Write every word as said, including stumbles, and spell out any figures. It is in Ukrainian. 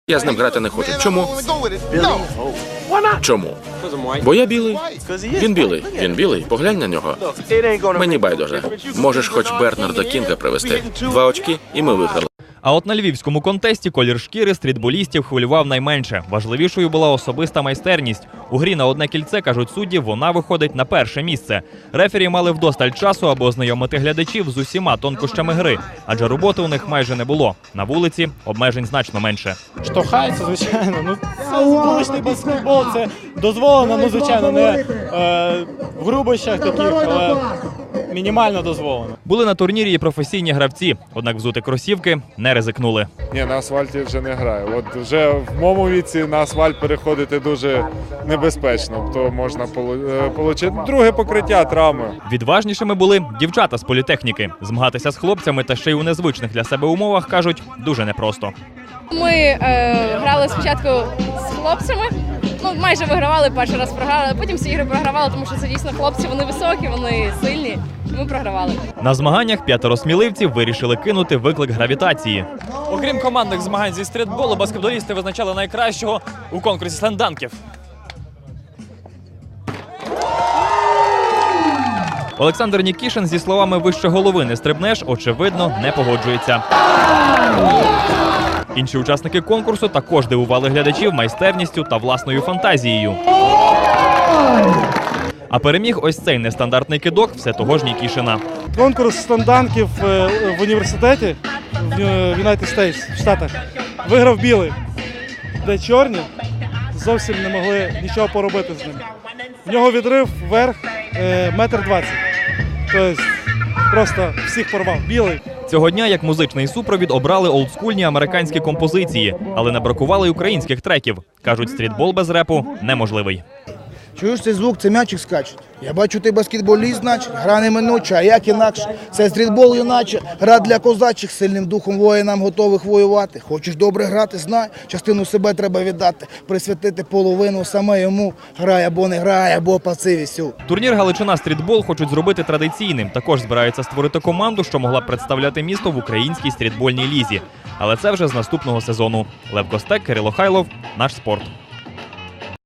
Я з ним грати не хочу. Чому? Чому? Бо я білий. Він білий. Він білий. Поглянь на нього. Мені байдуже. Можеш хоч Бернарда Кінга привезти. Два очки, і ми виграли. А от на львівському контесті колір шкіри стрітболістів хвилював найменше. Важливішою була особиста майстерність. У грі на одне кільце, кажуть судді, вона виходить на перше місце. Рефері мали вдосталь часу, аби ознайомити глядачів з усіма тонкощами гри, адже роботи у них майже не було. На вулиці обмежень значно менше. Штовхається, звичайно. Ну, це вуличний баскетбол, це дозволено, ну, звичайно, не е, в грубощах таких, але мінімально дозволено. Були на турнірі і професійні гравці, однак взути кросівки не ризикнули. Ні, на асфальті вже не граю. От вже в моєму віці на асфальт переходити дуже небезпечно, то можна отримати друге покриття, травми. Відважнішими були дівчата з політехніки. Змагатися з хлопцями та ще й у незвичних для себе умовах, кажуть, дуже непросто. Ми е, грали спочатку з хлопцями, ну майже вигравали, перший раз програли, а потім всі ігри програвали, тому що це дійсно хлопці, вони високі, вони сильні, ми програвали. На змаганнях п'ятеро сміливців вирішили кинути виклик гравітації. Окрім командних змагань зі стрітболу, баскетболісти визначали найкращого у конкурсі слемданків. Олександр Нікішин зі словами «вище голови не стрибнеш» очевидно не погоджується. Інші учасники конкурсу також дивували глядачів майстерністю та власною фантазією. А переміг ось цей нестандартний кидок все того ж Нікішина. Конкурс слемданків в університеті в United States, в Штатах, виграв білий, де чорні зовсім не могли нічого поробити з ним. В нього відрив вверх метр двадцять. Тобто просто всіх порвав. Білий. Цього дня як музичний супровід обрали олдскульні американські композиції, але не бракувало й українських треків. Кажуть, стрітбол без репу неможливий. Чуєш цей звук, це м'ячик скачуть. Я бачу, ти баскетболіст, значить, гра неминуча, а як інакше. Це стрітбол юначе, гра для козачих, сильним духом воїнам готових воювати. Хочеш добре грати, знай, частину себе треба віддати, присвятити половину саме йому. Грай або не грай, або паси вісю. Турнір «Галичина стрітбол» хочуть зробити традиційним. Також збираються створити команду, що могла б представляти місто в українській стрітбольній лізі. Але це вже з наступного сезону. Лев Костек, Кирило Хайлов, Наш спорт.